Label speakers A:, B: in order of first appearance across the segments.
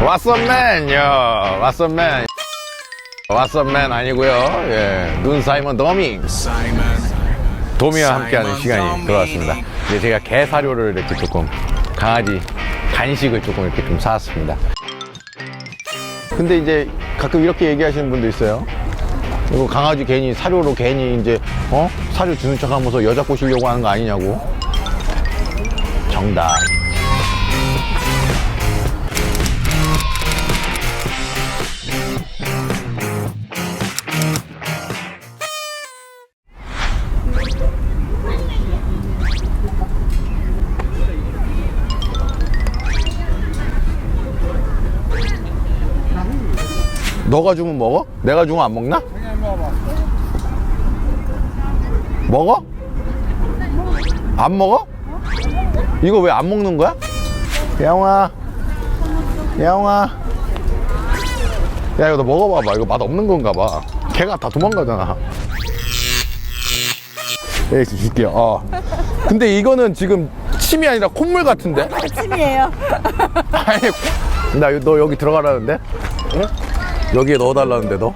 A: 왓썹맨요. 왓썹맨. 왓썹맨 아니고요. 예, 눈 사이먼 더밍. 도미와 함께하는 시간이 돌아왔습니다. 이제 제가 개 사료를 이렇게 조금 강아지 간식을 조금 이렇게 좀 사왔습니다. 근데 이제 가끔 이렇게 얘기하시는 분도 있어요. 이거 강아지 괜히 사료로 괜히 이제 사료 주는 척하면서 여자 꼬시려고 하는 거 아니냐고. 정답. 너가 주면 먹어? 내가 주면 안 먹나? 먹어? 안 먹어? 이거 왜 안 먹는 거야? 야옹아, 야옹아. 야, 이거 너 먹어봐봐. 이거 맛 없는 건가 봐. 걔가 다 도망가잖아. 예, 줄게요. 근데 이거는 지금 침이 아니라 콧물 같은데?
B: 침이에요.
A: 아니, 너 여기 들어가라는데? 응? 여기에 넣어달라는데 너?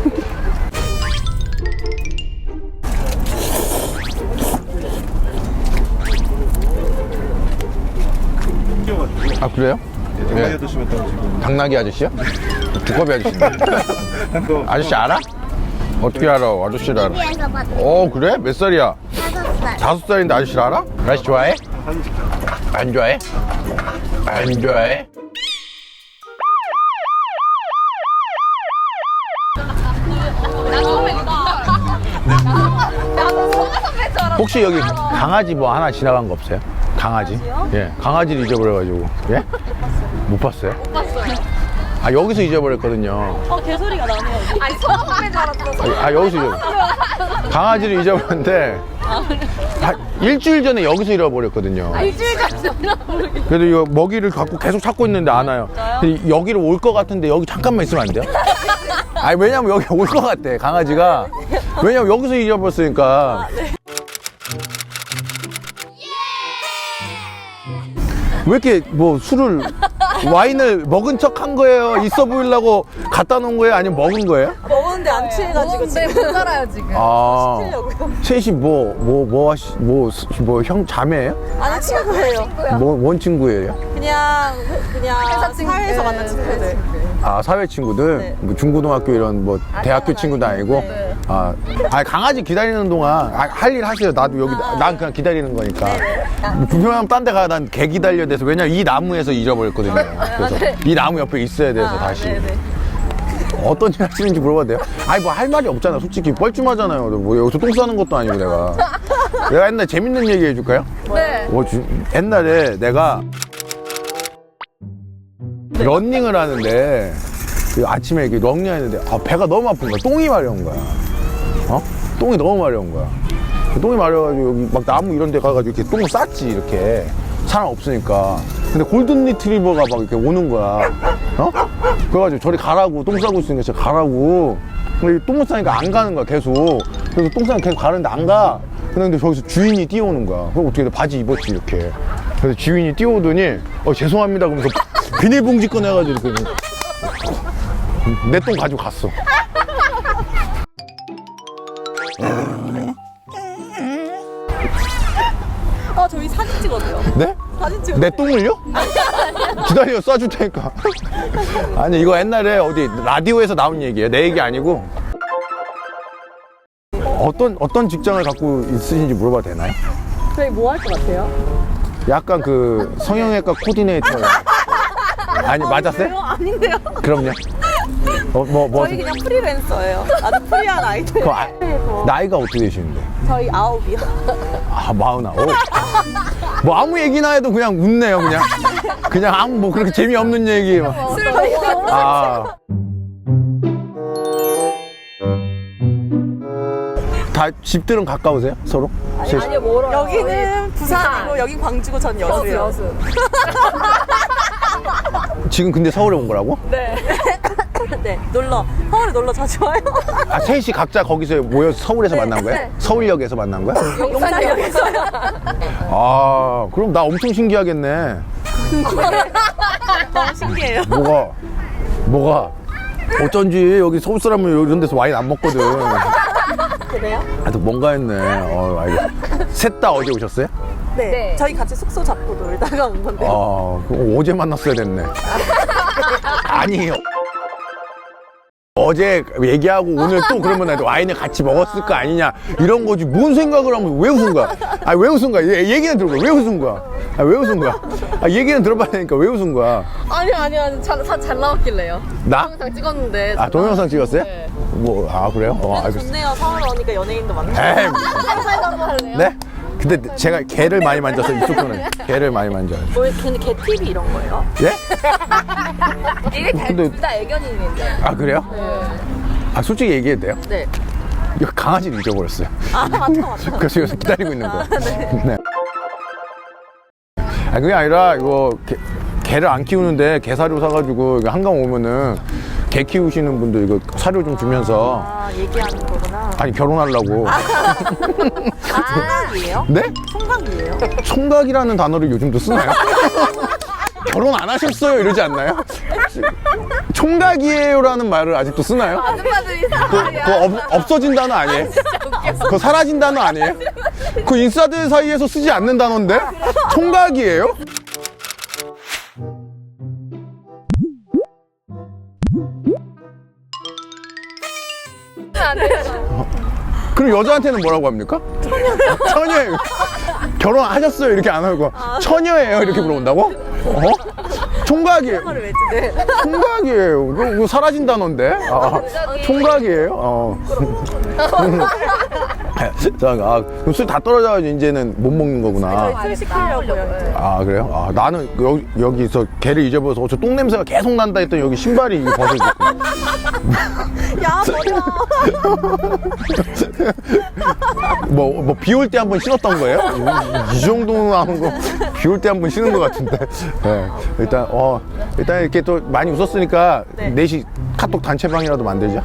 A: 아 그래요?
C: 당나귀 아저씨 같다고 지금.
A: 당나귀 아저씨요? 두꺼비 아저씨인데. 아저씨 알아? 어떻게 알아? 아저씨를 알아?
B: TV에서 봤어.
A: 그래? 몇 살이야?
B: 5살.
A: 5살인데 아저씨를 알아? 아저씨 좋아해?
C: 사진 찍자.
A: 안 좋아해? 안 좋아해? 혹시 여기 강아지 뭐 하나 지나간 거 없어요? 강아지? 예, 강아지를 잊어버려가지고. 예? 못 봤어요?
D: 못 봤어요.
A: 아, 여기서 잊어버렸거든요.
D: 개소리가 나네요. 아니, 소방관인 줄 알았어.
A: 여기서 잊어버렸어요. 강아지를 잊어버렸는데, 일주일 전에 여기서 잃어버렸거든요.
D: 일주일 전에
A: 그래도 이거 먹이를 갖고 계속 찾고 있는데 안 와요. 근데 여기를 올 것 같은데 여기 잠깐만 있으면 안 돼요? 아니, 왜냐면 여기 올 것 같대, 강아지가. 왜냐면 여기서 잊어버렸으니까. 왜 이렇게 뭐 술을 와인을 먹은 척 한 거예요? 있어 보이려고 갖다 놓은 거예요? 아니면 먹은 거예요?
D: 먹었는데 안 취해가지고 지금 못 살아요 지금.
A: 아,
D: 시키려고요.
A: 셋이 형 자매예요?
D: 아니 친구예요.
A: 뭔 친구예요?
D: 그냥 사회에서 만난 친구들.
A: 아, 사회 친구들?
D: 네.
A: 뭐 중고등학교 이런 뭐 대학교 친구도 아니고?
D: 네.
A: 강아지 기다리는 동안 할 일 하세요. 나도 여기 난 그냥 기다리는 거니까. 뭐 불편하면 딴 데 가. 난 개 기다려야 돼서. 왜냐면 이 나무에서 잊어버렸거든요. 그래서 이 나무 옆에 있어야 돼서 다시.
D: 네네.
A: 어떤 일 하시는지 물어봐도 돼요? 아니 뭐 할 말이 없잖아. 솔직히 뻘쭘하잖아요. 뭐 여기서 똥 싸는 것도 아니고 내가 옛날에 재밌는 얘기 해줄까요?
D: 네.
A: 옛날에 내가 런닝을 하는데 아침에 이렇게 런닝하는데 배가 너무 아픈 거야. 똥이 마려운 거야. 똥이 너무 마려운 거야. 똥이 마려가지고 여기 막 나무 이런 데 가가지고 이렇게 똥을 쌌지. 이렇게 사람 없으니까. 근데 골든 리트리버가 막 이렇게 오는 거야. 그래가지고 저리 가라고. 똥 싸고 있으니까 진짜 가라고. 근데 똥을 싸니까 안 가는 거야 계속. 그래서 똥 싸니까 계속 가는데 안 가. 근데 저기서 주인이 뛰어오는 거야. 그럼 어떻게 돼? 바지 입었지 이렇게. 그래서 주인이 뛰어오더니 죄송합니다 그러면서 비닐봉지 꺼내가지고 이렇게 내 똥 가지고 갔어.
D: 저희 사진 찍어도요.
A: 네?
D: 사진 찍어.
A: 내 똥을요? 기다려, 쏴줄 테니까. 아니, 이거 옛날에 어디 라디오에서 나온 얘기예요. 내 얘기 아니고. 어떤 직장을 갖고 있으신지 물어봐도 되나요?
D: 저희 뭐 할 것 같아요?
A: 약간 그 성형외과 코디네이터. 아니, 맞았어요?
D: 아닌데요.
A: 그럼요.
D: 저희 그냥 프리랜서예요. 아주 프리한 아이들.
A: 나이가 어떻게 되시는데?
D: 저희 9이요.
A: 49. 뭐 아무 얘기나 해도 그냥 웃네요, 그냥. 그냥 아무 뭐 그렇게 재미없는 얘기. 막.
D: 술 먹고.
A: 다 집들은 가까우세요? 서로?
D: 아니요, 멀어요. 여기는 부산이고 여긴 광주고 전 여수요.
A: 지금 근데 서울에 온 거라고?
D: 네. 네, 서울에 놀러 자주 와요.
A: 셋이 각자 거기서 모여서 서울에서 만난 거야? 서울역에서 만난 거야?
D: 용산역에서요.
A: 그럼 나 엄청 신기하겠네.
D: 너무 신기해요.
A: 뭐가 어쩐지 여기 서울 사람은 이런 데서 와인 안 먹거든.
D: 그래요?
A: 아, 또 뭔가 했네. 셋 다 어제 오셨어요?
D: 네. 저희 같이 숙소 잡고 놀다가 온 건데.
A: 그럼 어제 만났어야 됐네. 아니에요. 어제 얘기하고 오늘 또 그러면 와인을 같이 먹었을 거 아니냐 이런 거지. 뭔 생각을 하면 왜 웃은 거야? 왜 웃은 거야? 얘기는 들어봐. 왜 웃은 거야? 왜 웃은 거야? 얘기는 들어봐야 되니까 왜 웃은 거야?
B: 아니 잘 나왔길래요.
A: 나?
B: 동영상 찍었는데.
A: 동영상 찍었어요?
B: 네.
A: 그래요?
D: 그래도
A: 알겠어.
D: 좋네요. 서울 오니까 연예인도 만나고.
A: 에이,
B: 사인 한번 할래요?
A: 네? 근데 제가 개를 많이 만져서 이쪽 분은 개를 많이 만져요.
D: 근데 개 TV 이런 거예요?
A: 예?
B: 이게
A: 근데-
B: 둘 다 애견인인데.
A: 아, 그래요?
B: 네.
A: 솔직히 얘기해도 돼요?
B: 네.
A: 이거 강아지를 잊어버렸어요.
D: 맞다.
A: 그래서 여기서 기다리고 있는 거예요. 네. 그게 아니라 이거 개를 안 키우는데 개 사료 사가지고 이거 한강 오면은 개 키우시는 분들 이거 사료 좀 주면서
D: 얘기하는 거구나.
A: 아니 결혼하려고.
D: 총각이에요?
A: 네?
D: 총각이에요?
A: 총각이라는 단어를 요즘도 쓰나요? 결혼 안 하셨어요 이러지 않나요? 총각이에요라는 말을 아직도 쓰나요?
B: 아줌마들이
A: 그거 없어진 단어 아니에요? 그거 사라진 단어 아니에요? 그 인싸들 사이에서 쓰지 않는 단어인데? 총각이에요?
B: 안 돼요.
A: 그럼 여자한테는 뭐라고 합니까? 처녀예요. 결혼하셨어요 이렇게 안 하고 처녀예요 이렇게 물어본다고? 총각이에요.
D: 그걸 왜 네.
A: 총각이에요. 이거 사라진 단어인데? 총각이에요. 그럼 술 다 떨어져가지고 이제는 못 먹는 거구나.
D: 술 시키려고요.
A: 그래요? 나는 여기서 개를 잊어버려서 저 똥 냄새가 계속 난다 했더니 여기 신발이 이거 벗어지고.
D: 야, 버려.
A: 비 올 때 한 번 신었던 거예요? 이 정도 하는 거, 비 올 때 한 번 신은 것 같은데. 네. 일단 이렇게 또 많이 웃었으니까
D: 네.
A: 넷이 카톡 단체방이라도 만들자.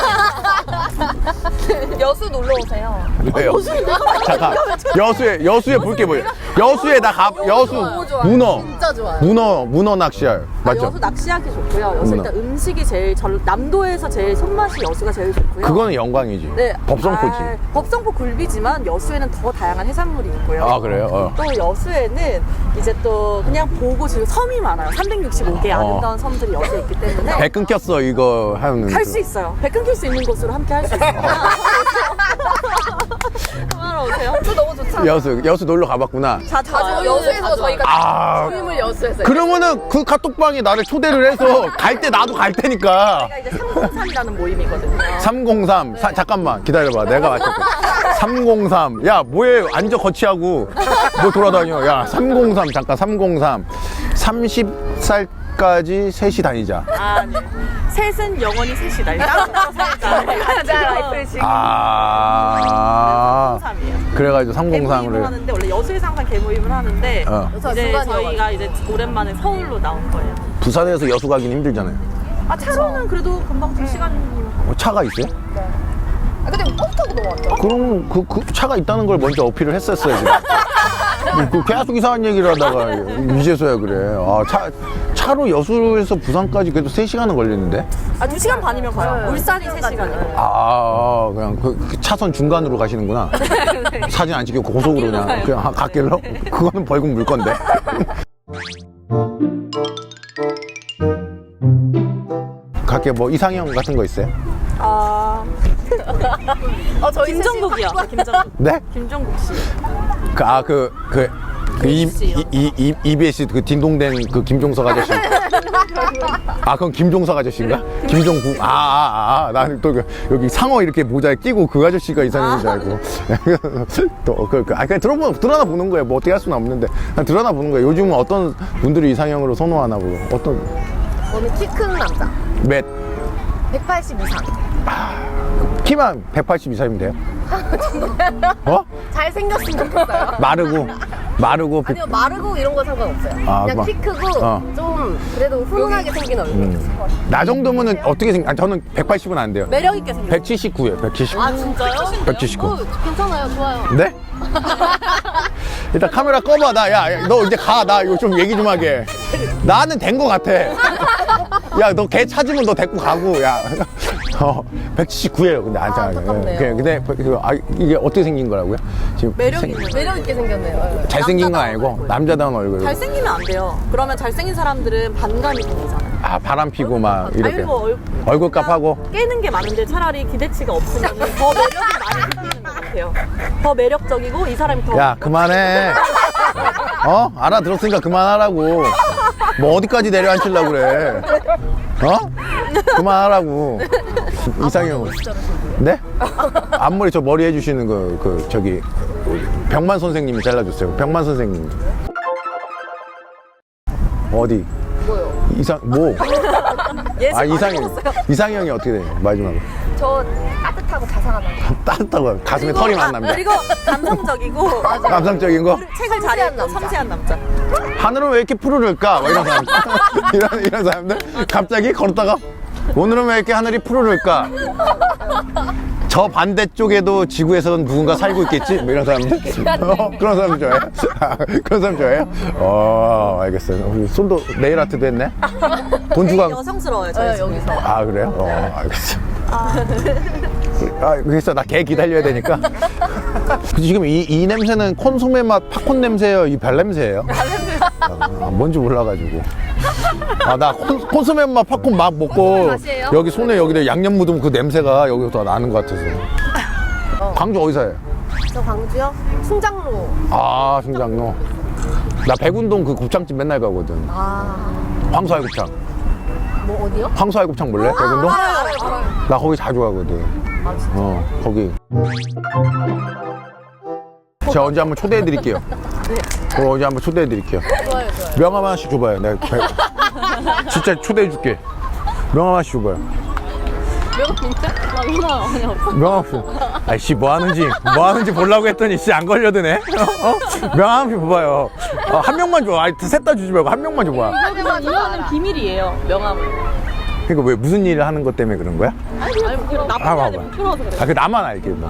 B: 여수 놀러 오세요.
A: 왜요? 잠깐. 여수에 볼 게 뭐예요? 여수에 여수
B: 너무 좋아요.
A: 문어.
B: 진짜 좋아요.
A: 문어 낚시할. 맞죠?
D: 여수 낚시하기 좋고요. 여수
A: 문어.
D: 일단 음식이 제일 남도에서 제일 손맛이 여수가 제일 좋고요.
A: 그거는 영광이지.
D: 네.
A: 법성포지.
D: 법성포 굴비지만 여수에는 더 다양한 해산물이 있고요.
A: 그래요?
D: 또 여수에는 이제 또 그냥 보고 지금 섬이 많아요. 365개의 아름다운 섬들이 여수에 있기 때문에
A: 배 끊겼어 이거 하는.
D: 할 수 있어요. 배 끊길 수 있는 곳으로 함께 할 수 있어요. 그만하러 오세요.
B: 또 너무 좋잖아요.
A: 여수 놀러 가봤구나.
B: 자주
D: 와요.
B: 여수에서
D: 자주
B: 저희가 모임을 여수에서.
A: 그러면은 그 카톡방에 나를 초대를 해서 갈 때 나도 갈 테니까.
D: 제가 이제 303이라는 모임이거든요.
A: 303. 잠깐만 기다려봐. 내가 맞췄고. 303. 야 뭐해 앉아 거치하고 뭐 돌아다녀. 야 303 잠깐 303. 30살까지 셋이 다니자.
D: 네. 셋은 영원히 셋이다. 따로 살자.
B: 라이프를 지금.
D: 303이에요.
A: 그래가지고
D: 개모임을
A: 303을.
D: 하는데 원래 여수에서 항상 개모임을 하는데
B: 여수가
D: 이제
B: 중간이어가지고.
D: 저희가 이제 오랜만에 서울로 나온 거예요.
A: 부산에서 여수 가긴 힘들잖아요.
D: 차로는 그래도 금방 2시간
A: 차가 있어요?
B: 근데 버스 타고 넘어왔죠.
A: 그럼 그 차가 있다는 걸 먼저 어필을 했었어야지. 계속 이상한 얘기를 하다가 이제서야 그래. 차로 여수에서 부산까지 그래도 3시간은 걸리는데?
D: 2시간 반이면 가요. 울산이 3시간이고.
A: 그냥 그 차선 중간으로 가시는구나. 사진 안 찍고 고속으로 그냥 갓길로? 그거는 벌금 물 건데. 각계 뭐 이상형 같은 거 있어요?
B: 저희
D: 김정국이요. 김정국.
A: 네?
D: 김정국 씨.
A: EBS 그 딩동댕 그 김종석 아저씨. 그건 김종석 아저씨인가? 김종국. 나는 또 여기 상어 이렇게 모자에 끼고 그 아저씨가 이상형인 줄 알고. 또, 그냥 드러나 보는 거예요. 뭐 어떻게 할 수는 없는데. 그냥 드러나 보는 거예요. 요즘은 어떤 분들이 이상형으로 선호하나 보고.
B: 저는 키 큰 남자.
A: 몇?
B: 180 이상.
A: 키만 180 이상이면 돼요?
B: 잘생겼으면 좋겠어요.
A: 마르고. 마르고
B: 아니요, 마르고 이런 거 상관없어요.
A: 아,
B: 그냥
A: 막-
B: 키 크고
A: 어.
B: 좀 그래도 훈훈하게 생긴 얼굴.
A: 나 정도면은 어떻게 생각? 저는 180은 안 돼요.
D: 매력 있게 생겼어요.
A: 179예요. 179.
D: 아 진짜요?
A: 179.
B: 괜찮아요, 좋아요.
A: 네? 일단 카메라 꺼봐. 너 이제 가. 나 이거 좀 얘기 좀 하게. 나는 된 거 같아. 야, 너 걔 찾으면 너 데리고 가고, 야. 179예요. 근데
B: 안타깝네요.
A: 근데 이게 어떻게 생긴 거라고요? 지금
D: 매력 있는
B: 매력 있게 생겼네요.
A: 잘생긴 건 아니고 남자다운 얼굴.
D: 잘생기면 안 돼요. 그러면 잘생긴 사람들은 반감이 생기잖아요.
A: 아, 바람 피고 막 이렇게.
D: 아니, 뭐
A: 얼굴값 하고.
D: 깨는 게 많은데 차라리 기대치가 없으면 더 매력이 많이 생기는 것 같아요. 더 매력적이고 이 사람이 더
A: 야, 그만해. 알아들었으니까 그만하라고. 뭐 어디까지 내려앉히려고 그래. 그만하라고. 이상형. 네? 앞머리 저 머리 해주시는 저기 병만 선생님이 잘라줬어요. 병만 선생님. 어디?
B: 뭐요?
D: 예술 많이
A: 이상형.
D: 먹었어요.
A: 이상형이 어떻게 돼요? 마지막으로.
B: 저 따뜻하고 자상한 남자.
A: 따뜻하고 가슴에 털이 많은 남자.
D: 그리고 감성적이고
A: 감성적인 거?
D: 책을 잘 읽고
B: 남자.
D: 섬세한 남자.
A: 하늘은 왜 이렇게 푸르를까? 뭐 이런 사람들. 이런 사람들? 갑자기 걸었다가 오늘은 왜 이렇게 하늘이 푸르를까? 저 반대쪽에도 지구에서는 누군가 살고 있겠지? 뭐 이런 사람들? 그런 사람 좋아해요? 그런 사람 좋아해요? 알겠어요. 우리 손도 네일 아트도 했네? 돈 주고
D: 여성스러워요 저희 집은.
B: 여기서.
A: 아, 그래요? 알겠어. 그래서 나 걔 기다려야 되니까. 지금 이 냄새는 콘소메 맛 팝콘 냄새예요? 이 별 냄새예요? 뭔지 몰라가지고. 나 콘소메 맛 팝콘 막 먹고
B: 콘소메 맛이에요?
A: 여기 손에 여기다 양념 묻으면 그 냄새가 여기서 나는 것 같아서. 광주 어디서 해요?
B: 저 광주요? 충장로.
A: 아, 충장로. 나 백운동 그 곱창집 맨날 가거든. 황소알 곱창.
B: 뭐 어디요?
A: 황소알 곱창 몰래? 백운동?
B: 알아요.
A: 나 거기 자주 가거든. 거기. 제가 언제 한번 초대해 드릴게요. 언제 한번 초대해 드릴게요.
B: 좋아요.
A: 명함 하나씩 줘봐요. 내가 진짜 초대해 줄게. 명함 하나씩 줘봐요. 명함 없어. 아이씨, 뭐 하는지 보려고 했더니 씨 안 걸려드네. 명함 한번 줘봐요. 한 명만 줘. 셋 다 주지 말고 한 명만 줘봐.
D: 이거는 비밀이에요. 명함은.
A: 그러니까 왜 무슨 일을 하는 것 때문에 그런 거야?
D: 아니 나쁜
A: 봐봐.
D: 사람이 부끄러워서 그래요.
A: 그 나만 알게. 뭐.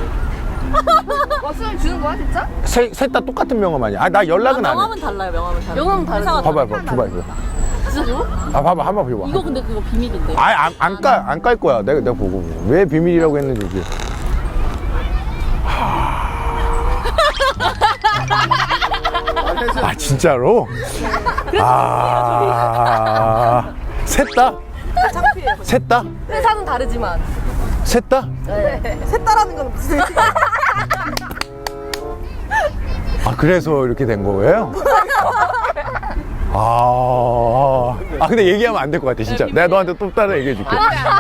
B: 수영 주는 거야 진짜?
A: 셋 다 똑같은 명함 아니야? 나 연락은 안 해.
D: 명함은 달라요. 명함은 달라요.
B: 명함은 다르죠.
D: 회사가
A: 봐봐. 줘봐.
D: 진짜 줘?
A: 봐봐. 한번 봐봐.
D: 이거 근데 그거 비밀인데.
A: 안 깔 거야. 내가 보고. 왜 비밀이라고 했는지. 이제. 진짜로? 셋 다?
D: 창피해요.
A: 셋 다?
B: 회사는 다르지만.
A: 셋 다?
D: 셋다라는 건 무슨
A: 그래서 이렇게 된 거예요? 근데 얘기하면 안 될 것 같아, 진짜. 내가 너한테 또 따라 얘기해 줄게.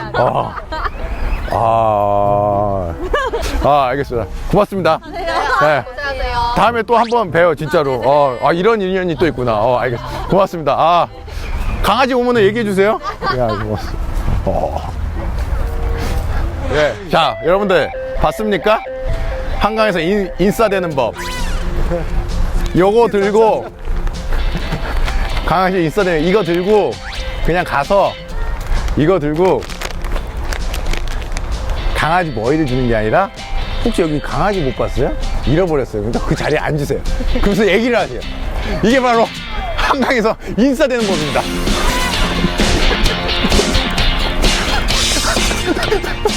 A: 알겠습니다. 고맙습니다. 네.
B: 안녕하세요.
A: 다음에 또 한 번 봬요, 진짜로. 이런 인연이 또 있구나. 알겠어. 고맙습니다. 강아지 오면은 얘기해 주세요. 야, 고맙습니다. 네. 자, 여러분들, 봤습니까? 한강에서 인싸되는 법. 요거 들고, 강아지 인싸되는 이거 들고, 그냥 가서, 이거 들고, 강아지 머리를 주는 게 아니라, 혹시 여기 강아지 못 봤어요? 잃어버렸어요. 그러니까 그 자리에 앉으세요. 그러면서 얘기를 하세요. 이게 바로 한강에서 인싸되는 법입니다.